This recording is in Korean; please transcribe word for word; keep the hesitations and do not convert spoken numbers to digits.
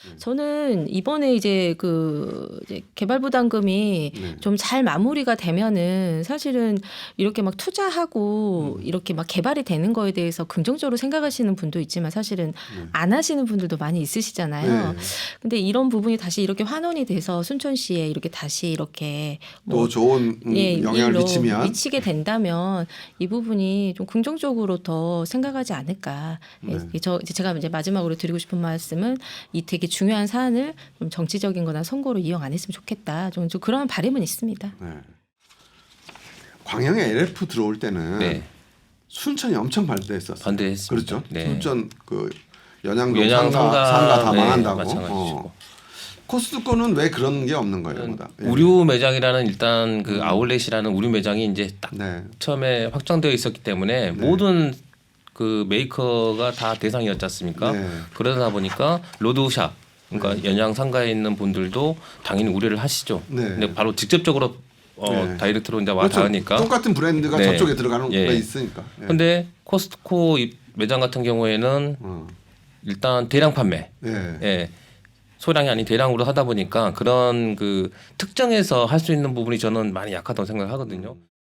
저는 이번에 이제 그 이제 개발부담금이 네. 좀 잘 마무리가 되면은 사실은 이렇게 막 투자하고 음. 이렇게 막 개발이 되는 거에 대해서 긍정적으로 생각하시는 분도 있지만 사실은 네. 안 하시는 분들도 많이 있으시잖아요. 네. 근데 이런 부분이 다시 이렇게 환원이 돼서 순천시에 이렇게 다시 이렇게 뭐 또 좋은 음, 예, 영향을 일로 미치면 미치게 된다면 이 부분이 좀 긍정적으로 더 생각하지 않을까. 예, 네. 저 이제 제가 이제 마지막으로 드리고 싶은 말씀은 이 되게 중요한 사안을 좀 정치적인거나 선거로 이용 안 했으면 좋겠다. 좀, 좀 그런 바람은 있습니다. 네. 광양에 엘에프 들어올 때는 네. 순천이 엄청 반대했었어요. 반대했습니다. 그렇죠. 네. 순천 그 연양동 연양 상가, 상가, 상가 다 네, 망한다고. 마찬가지시고. 어. 코스트코는 왜 그런 게 없는 거예요? 보다? 예. 우류 매장이라는 일단 그 음. 아울렛이라는 우류 매장이 이제 딱 네. 처음에 확정되어 있었기 때문에 네. 모든 그 메이커가 다 대상이었지 않습니까? 네. 그러다 보니까 로드샵 그러니까 네. 연양 상가에 있는 분들도 당연히 우려를 하시죠. 네. 근데 바로 직접적으로 어, 네. 다이렉트로 이제 와 그렇죠. 닿으니까. 똑같은 브랜드가 네. 저쪽에 들어가는 예. 게 있으니까. 예. 근데 코스트코 이 매장 같은 경우에는 어. 일단 대량 판매, 예. 예, 소량이 아닌 대량으로 하다 보니까 그런 그 특정해서 할 수 있는 부분이 저는 많이 약하다고 생각하거든요.